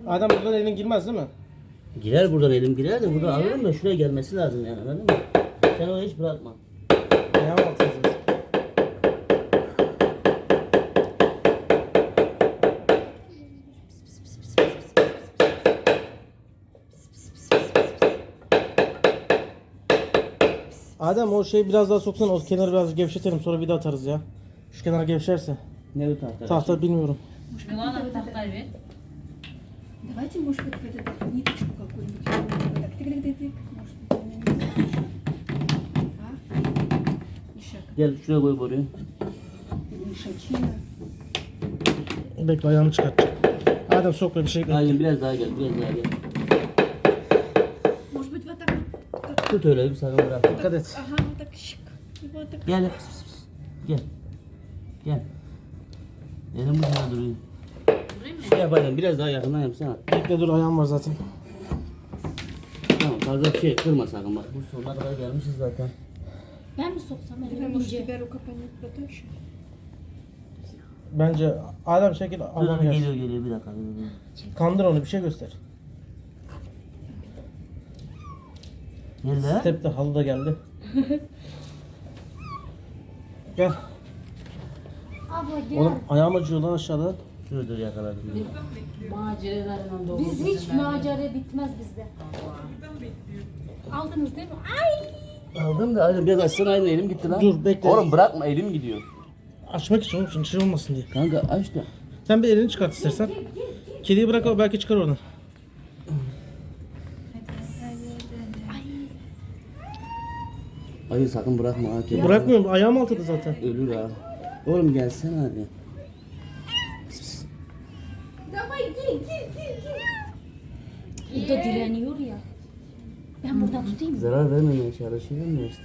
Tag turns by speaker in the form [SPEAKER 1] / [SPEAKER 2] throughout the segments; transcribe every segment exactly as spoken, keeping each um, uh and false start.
[SPEAKER 1] Adem buradan elin girmez değil mi?
[SPEAKER 2] Girer buradan elim girer de burada alırım da şuraya gelmesi lazım yani, anladın mı? Sen onu hiç bırakma.
[SPEAKER 1] Ayağım altına zaten. Adem o şeyi biraz daha soksana, o kenarı biraz gevşetelim, sonra vida atarız ya. Şu kenar gevşerse.
[SPEAKER 2] Ne bu tahta?
[SPEAKER 1] Tahta bilmiyorum.
[SPEAKER 3] Милана, tahta
[SPEAKER 4] Давайте, может быть, в эту ниточку какую-нибудь. Так, тык-тык-тык-тык. Может быть, а? Ишак.
[SPEAKER 2] Gel şuraya koy boruyu.
[SPEAKER 4] Ишачина.
[SPEAKER 1] Bekle, ayağımı çıkartacağım. Adem sok bir şey.
[SPEAKER 2] Aynen biraz daha gel, biraz daha gel.
[SPEAKER 4] Может быть, вот так вот.
[SPEAKER 2] Tut öyle bir sakın bırakma.
[SPEAKER 1] Dikkat et.
[SPEAKER 4] Ага, вот так. Щик. И вот так.
[SPEAKER 2] Gel. Pıs, pıs, pıs. Gel. Gel. Elim bu tarafa duruyor. Şey yapalım, biraz daha yakından yapsana.
[SPEAKER 1] Bekle dur, ayağım var zaten.
[SPEAKER 2] Tamam, fazla bir şey kırma sakın bak. Bu sonuna kadar gelmişiz zaten.
[SPEAKER 3] Ben mi soksam
[SPEAKER 4] Давай,
[SPEAKER 3] elimi
[SPEAKER 4] может,
[SPEAKER 3] ince?
[SPEAKER 4] тебя рука потоньше.
[SPEAKER 1] Bence Adem şekil
[SPEAKER 2] Dur,
[SPEAKER 1] Allah'ım
[SPEAKER 2] dur,
[SPEAKER 1] gel.
[SPEAKER 2] geliyor geliyor bir dakika. Dur, dur.
[SPEAKER 1] Kandır onu, bir şey göster.
[SPEAKER 2] Gel lan.
[SPEAKER 1] Step de halı da geldi. Gel.
[SPEAKER 3] Abla gel.
[SPEAKER 1] Oğlum ayağım acıyor lan aşağıda.
[SPEAKER 2] Dur dur yakaladım.
[SPEAKER 5] Maceralarla dolu.
[SPEAKER 3] Biz hiç macera bitmez bizde. Aldınız değil mi? Ay!
[SPEAKER 2] Aldım da aynen biraz açsana, aynen elim gitti lan.
[SPEAKER 1] Dur, bekle.
[SPEAKER 2] Oğlum bırakma, elim gidiyor.
[SPEAKER 1] Açmak için, onun için şey olmasın diye.
[SPEAKER 2] Kanka aç da.
[SPEAKER 1] Sen bir elini çıkart istersen. Kediyi bırak, o belki çıkar oradan.
[SPEAKER 2] Hayır sakın bırakma ha. kedi.
[SPEAKER 1] Bırakmıyorum, ayağım altıda zaten.
[SPEAKER 2] Ölür ha. Oğlum gelsene hadi.
[SPEAKER 4] Давай, гель, гель, гель, гель.
[SPEAKER 3] Bu da direniyor ya. Ben buradan tutayım mı?
[SPEAKER 2] Zarar vermemeye çalışıyorum ya işte.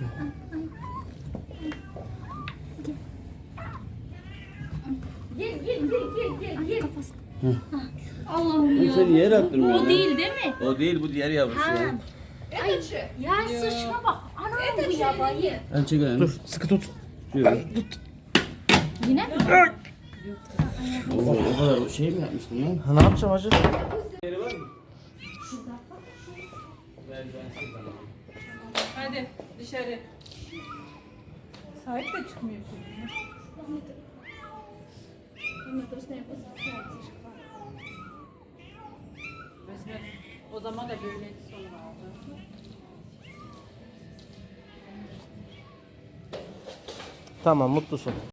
[SPEAKER 4] Гель, гель, гель, гель, гель, гель.
[SPEAKER 3] Allah'ım
[SPEAKER 2] Oğlum sen niye rahattırmıyorsun?
[SPEAKER 3] O değil değil mi?
[SPEAKER 2] O değil, bu diğer yavrusu
[SPEAKER 3] Ha.
[SPEAKER 2] ya.
[SPEAKER 4] Этот же.
[SPEAKER 3] Ya sıçma bak. Anam
[SPEAKER 4] Это
[SPEAKER 3] bu
[SPEAKER 4] же
[SPEAKER 3] yabayı.
[SPEAKER 4] или нет?
[SPEAKER 2] Hadi çek ayağını.
[SPEAKER 1] Dur, sıkı tut.
[SPEAKER 2] Tutuyorum.
[SPEAKER 3] Yine mi?
[SPEAKER 2] Oo, o kadar şey mi yapmıştın lan?
[SPEAKER 1] Ha, ne yapacağım hacı?
[SPEAKER 5] Hadi dışarı. Sahip de çıkmıyor çocuğun.
[SPEAKER 4] Ну, просто я посмотрела, тишка.
[SPEAKER 5] Mesela o zaman da böyleydi sonra aldı.
[SPEAKER 1] Tamam, mutlusun.